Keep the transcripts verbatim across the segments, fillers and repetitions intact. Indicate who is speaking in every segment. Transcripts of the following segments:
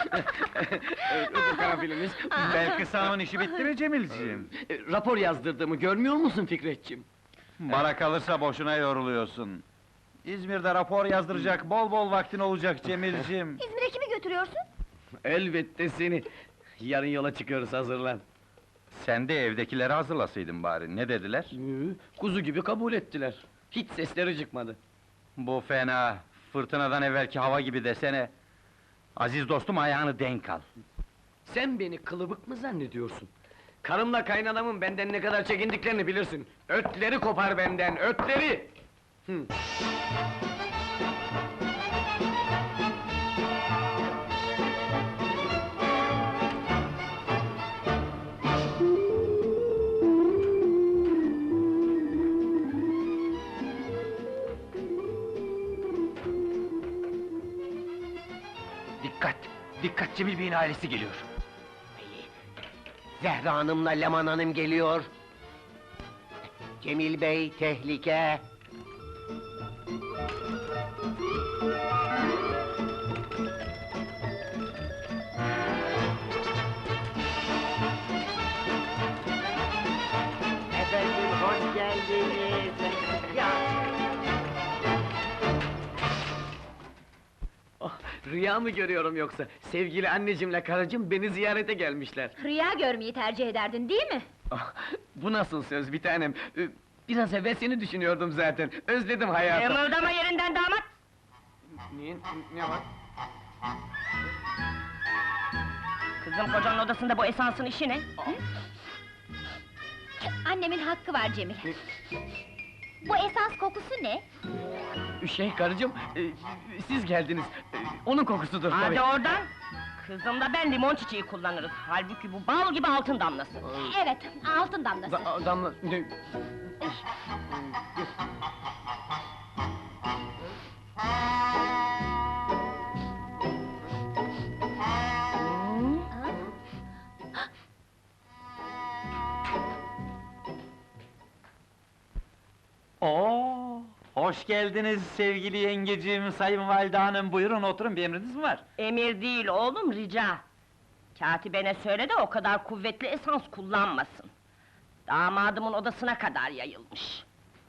Speaker 1: Bu karanfilimiz.
Speaker 2: Belki sağın işi bitti mi Cemilciğim?
Speaker 1: E, Rapor yazdırdığımı görmüyor musun Fikretciğim?
Speaker 2: Bana kalırsa boşuna yoruluyorsun. İzmir'de rapor yazdıracak bol bol vaktin olacak Cemilciğim.
Speaker 3: İzmir'e kimi götürüyorsun?
Speaker 1: Elbette seni. Yarın yola çıkıyoruz, hazırlan.
Speaker 2: Sen de evdekileri hazırlasaydın bari, ne dediler?
Speaker 1: Ee, Kuzu gibi kabul ettiler. Hiç sesleri çıkmadı.
Speaker 2: Bu fena, fırtınadan evvelki hava gibi desene. Aziz dostum, ayağını denk al.
Speaker 1: Sen beni kılıbık mı zannediyorsun? Karımla kaynanamın benden ne kadar çekindiklerini bilirsin. Ötleri kopar benden, ötleri! Hı.
Speaker 4: Dikkat! Dikkat, Cemil Bey'in ailesi geliyor!
Speaker 5: Zehra Hanım'la Leman Hanım geliyor. Cemil Bey, tehlike! Efendim, hoş geldiniz! Ya!
Speaker 1: Ah, rüya mı görüyorum yoksa? Sevgili annecimle karıcığım beni ziyarete gelmişler.
Speaker 3: Rüya görmeyi tercih ederdin, değil mi?
Speaker 1: Ah, bu nasıl söz bir tanem? Ee, Biraz evvel seni düşünüyordum zaten. Özledim hayatı.
Speaker 3: Kımıldama yerinden damat!
Speaker 1: Niye? Ne var?
Speaker 6: Kızım, kocanın odasında bu esansın işi ne?
Speaker 3: Annemin hakkı var Cemil. Bu esans kokusu ne?
Speaker 1: Şey karıcığım, e, siz geldiniz. E, onun kokusudur tabii.
Speaker 6: Hadi oradan! Kızımla ben limon çiçeği kullanırız. Halbuki bu bal gibi altın damlası.
Speaker 3: Evet, altın damlası.
Speaker 1: Da- damla... Ne?
Speaker 2: Oo, hoş geldiniz sevgili yengeciğim, sayın valide hanım. Buyurun oturun, bir emriniz mi var?
Speaker 6: Emir değil oğlum, rica! Katibene söyle de o kadar kuvvetli esans kullanmasın. Damadımın odasına kadar yayılmış.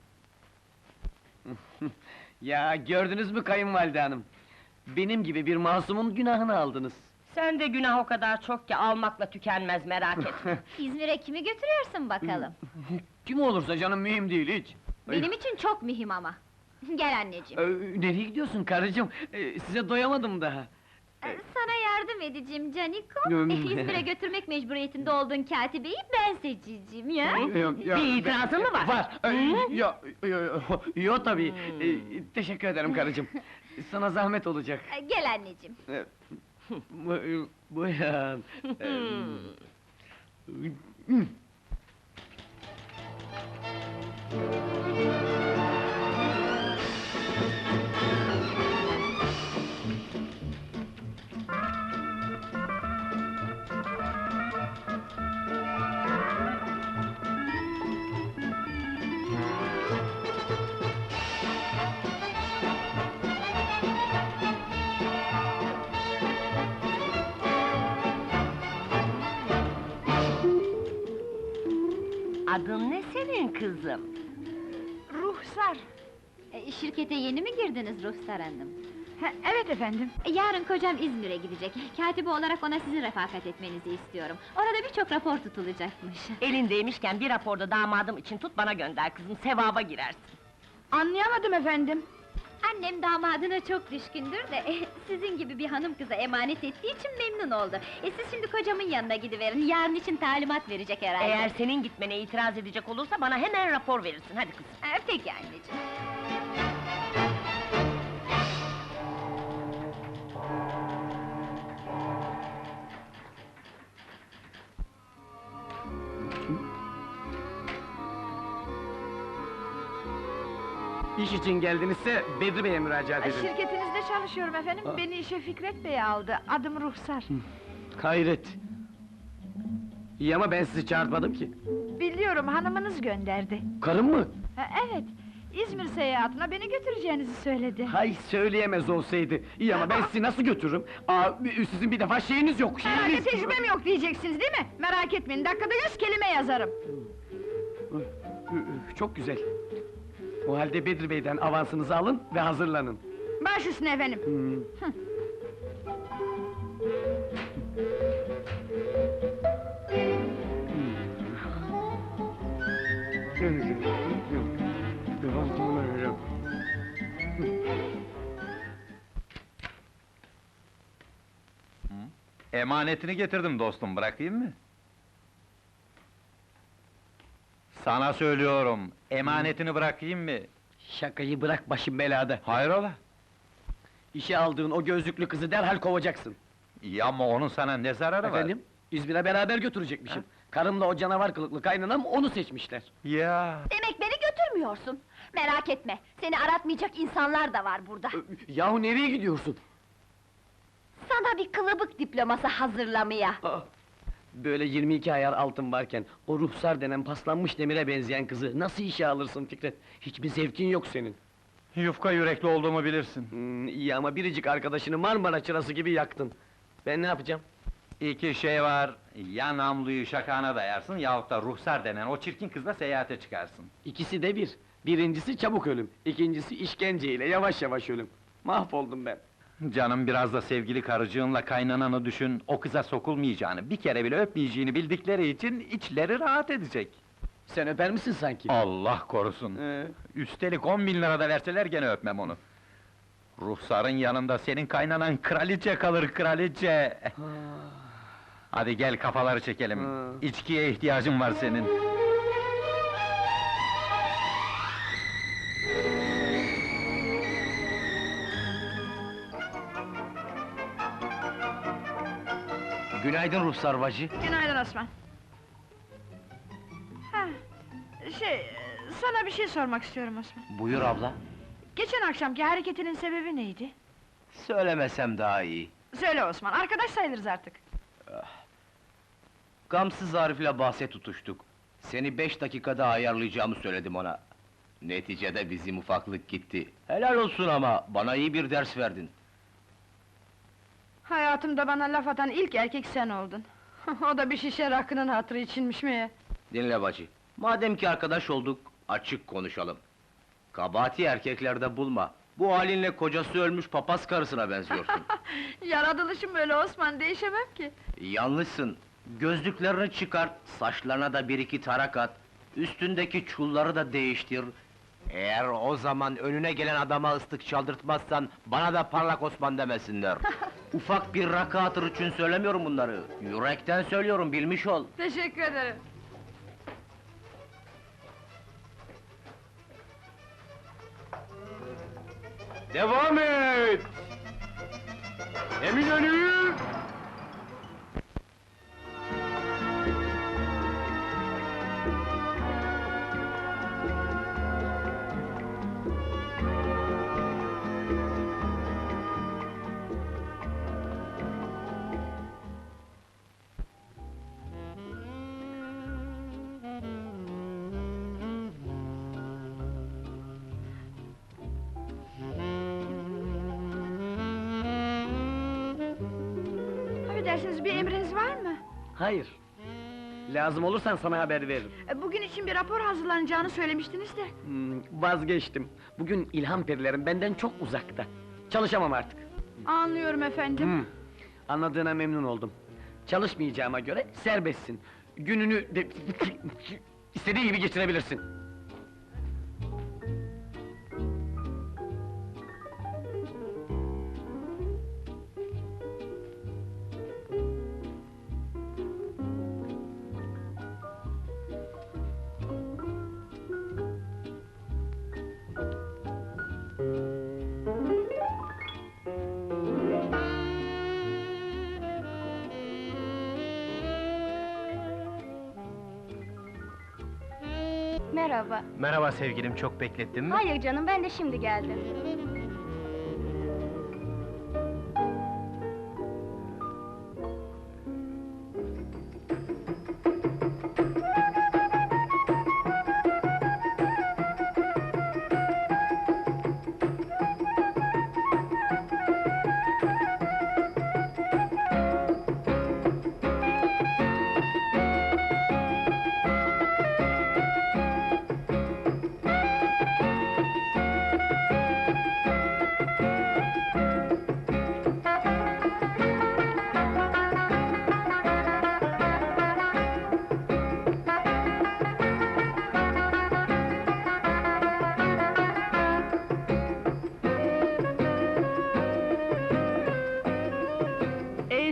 Speaker 1: Ya gördünüz mü kayınvalide hanım? Benim gibi bir masumun günahını aldınız.
Speaker 6: Sen de günah o kadar çok ki almakla tükenmez, merak etme.
Speaker 3: İzmir'e kimi götürüyorsun bakalım?
Speaker 1: Kim olursa canım mühim değil hiç.
Speaker 3: Benim için çok mühim ama. Gel anneciğim.
Speaker 1: Ee, nereye gidiyorsun karıcığım? Ee, size doyamadım daha.
Speaker 3: Ee, Sana yardım edeceğim Caniko.
Speaker 1: Hmm.
Speaker 3: İzmir'e götürmek mecburiyetinde olduğun katibeyi ben seçeceğim ya.
Speaker 1: Yok, yok,
Speaker 6: Bir itirazın mı var?
Speaker 1: Var. Ee, Yo, yo, yo, yo tabii. Ee, teşekkür ederim karıcığım. Sana zahmet olacak.
Speaker 3: Ee, Gel anneciğim.
Speaker 1: Ee, bu- Buyurun. Ee,
Speaker 6: Adın ne senin kızım?
Speaker 3: Ruhsar. Ee, şirkete yeni mi girdiniz Ruhsar Hanım?
Speaker 7: Evet efendim.
Speaker 3: Ee, Yarın kocam İzmir'e gidecek. Katibe olarak ona sizin refakat etmenizi istiyorum. Orada birçok rapor tutulacakmış.
Speaker 6: Elindeymişken bir raporda damadım için tut, bana gönder kızım, sevaba girersin.
Speaker 7: Anlayamadım efendim.
Speaker 3: Annem damadına çok düşkündür de, eh, sizin gibi bir hanım kıza emanet ettiği için memnun oldu. E siz şimdi kocamın yanına gidiverin, yarın için talimat verecek herhalde.
Speaker 6: Eğer senin gitmene itiraz edecek olursa bana hemen rapor verirsin, hadi kızım.
Speaker 3: Ha, peki anneciğim.
Speaker 1: İş için geldinizse Bedri Bey'e müracaat edin.
Speaker 7: Şirketinizde çalışıyorum efendim. Beni işe Fikret Bey aldı. Adım Ruhsar.
Speaker 1: Hayret! İyi ama ben sizi çağırtmadım ki.
Speaker 7: Biliyorum, hanımınız gönderdi.
Speaker 1: Karım mı?
Speaker 7: Ha, evet, İzmir seyahatine beni götüreceğinizi söyledi.
Speaker 1: Hay söyleyemez olsaydı. İyi ama ben sizi nasıl götürürüm? Aa, sizin bir defa şeyiniz yok,
Speaker 7: Herhalde
Speaker 1: şeyiniz...
Speaker 7: tecrübem yok diyeceksiniz değil mi? Merak etmeyin, dakikada yüz kelime yazarım.
Speaker 1: Çok güzel. O halde Bedri Bey'den avansınızı alın ve hazırlanın.
Speaker 7: Baş üstüne efendim.
Speaker 1: Hmm.
Speaker 2: Emanetini getirdim dostum, bırakayım mı? Sana söylüyorum, emanetini bırakayım mı?
Speaker 1: Şakayı bırak, başım belada.
Speaker 2: Hayrola?
Speaker 1: İşe aldığın o gözlüklü kızı derhal kovacaksın.
Speaker 2: İyi ama onun sana ne zararı var?
Speaker 1: Efendim, İzmir'e beraber götürecekmişim. Karımla o canavar kılıklı kaynanam onu seçmişler.
Speaker 2: Ya!
Speaker 3: Demek beni götürmüyorsun. Merak etme, seni aratmayacak insanlar da var burada.
Speaker 1: Ö, Yahu nereye gidiyorsun?
Speaker 3: Sana bir kılıbık diploması hazırlamaya.
Speaker 1: Aa, böyle yirmi iki ayar altın varken, o ruhsar denen paslanmış demire benzeyen kızı nasıl işe alırsın Fikret? Hiçbir zevkin yok senin.
Speaker 2: Yufka yürekli olduğumu bilirsin.
Speaker 1: Hmm, iyi ama biricik arkadaşını Marmara çırası gibi yaktın. Ben ne yapacağım?
Speaker 2: İki şey var, ya namluyu şakağına dayarsın yahut da ruhsar denen o çirkin kızla seyahate çıkarsın.
Speaker 1: İkisi de bir. Birincisi çabuk ölüm, ikincisi işkenceyle yavaş yavaş ölüm. Mahvoldum ben.
Speaker 2: Canım biraz da sevgili karıcığınla kaynananı düşün, o kıza sokulmayacağını, bir kere bile öpmeyeceğini bildikleri için içleri rahat edecek.
Speaker 1: Sen öper misin sanki?
Speaker 2: Allah korusun!
Speaker 1: Ee,
Speaker 2: Üstelik on bin lira da verseler gene öpmem onu. Ruhsarın yanında senin kaynanan kraliçe kalır, kraliçe! Hadi gel kafaları çekelim,
Speaker 1: Ha.
Speaker 2: içkiye ihtiyacın var senin.
Speaker 4: Günaydın ruhsar bacı.
Speaker 7: Günaydın Osman. Ha, şey, sana bir şey sormak istiyorum Osman.
Speaker 4: Buyur abla.
Speaker 7: Geçen akşamki hareketinin sebebi neydi?
Speaker 4: Söylemesem daha iyi.
Speaker 7: Söyle Osman, arkadaş sayılırız artık.
Speaker 4: Gamsız Arif'le bahse tutuştuk. Seni beş dakikada ayarlayacağımı söyledim ona. Neticede bizim ufaklık gitti. Helal olsun ama, bana iyi bir ders verdin.
Speaker 7: Hayatımda bana laf atan ilk erkek sen oldun. O da bir şişe rakının hatırı içinmiş mi?
Speaker 4: Dinle bacı, madem ki arkadaş olduk, açık konuşalım. Kabahati erkeklerde bulma. Bu halinle kocası ölmüş papaz karısına benziyorsun.
Speaker 7: Yaratılışım böyle Osman, değişemem ki.
Speaker 4: Yanlışsın. Gözlüklerini çıkart, saçlarına da bir iki tarak at, üstündeki çulları da değiştir. Eğer o zaman önüne gelen adama ıslık çaldırtmazsan, bana da parlak Osman demesinler. Ufak bir rakı hatırı için söylemiyorum bunları. Yürekten söylüyorum, bilmiş ol.
Speaker 7: Teşekkür ederim.
Speaker 1: Devam et! Eminönü!
Speaker 7: Affedersiniz, bir emriniz var mı?
Speaker 1: Hayır. Lazım olursan sana haber veririm.
Speaker 7: E, Bugün için bir rapor hazırlanacağını söylemiştiniz de.
Speaker 1: Hmm, vazgeçtim. Bugün ilham perilerim benden çok uzakta. Çalışamam artık.
Speaker 7: Anlıyorum efendim.
Speaker 1: Hmm, anladığına memnun oldum. Çalışmayacağıma göre serbestsin. Gününü de... istediğin gibi geçirebilirsin.
Speaker 3: Merhaba.
Speaker 4: Merhaba sevgilim, çok beklettin mi?
Speaker 3: Hayır canım, ben de şimdi geldim.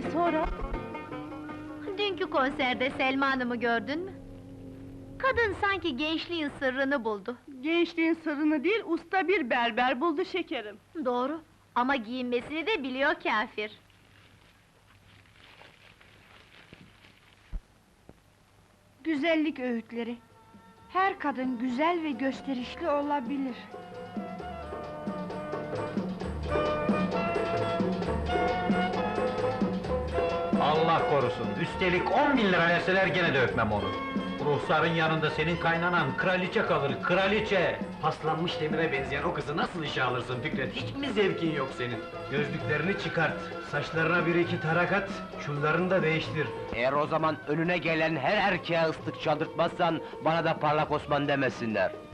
Speaker 7: E sonra?
Speaker 3: Dünkü konserde Selma Hanım'ı gördün mü? Kadın sanki gençliğin sırrını buldu.
Speaker 7: Gençliğin sırrını değil, usta bir berber buldu şekerim.
Speaker 3: Doğru, ama giyinmesini de biliyor kâfir.
Speaker 7: Güzellik öğütleri. Her kadın güzel ve gösterişli olabilir.
Speaker 2: Allah korusun, üstelik on bin lira verseler gene de öpmem onu. Ruhsarın yanında senin kaynanan kraliçe kalır, kraliçe!
Speaker 1: Paslanmış demire benzeyen o kızı nasıl işe alırsın Fikret? Hiç mi zevkin yok senin?
Speaker 4: Gözlüklerini çıkart, saçlarına bir iki tarak at, çullarını da değiştir. Eğer o zaman önüne gelen her erkeğe ıslık çaldırtmazsan, bana da parlak Osman demesinler.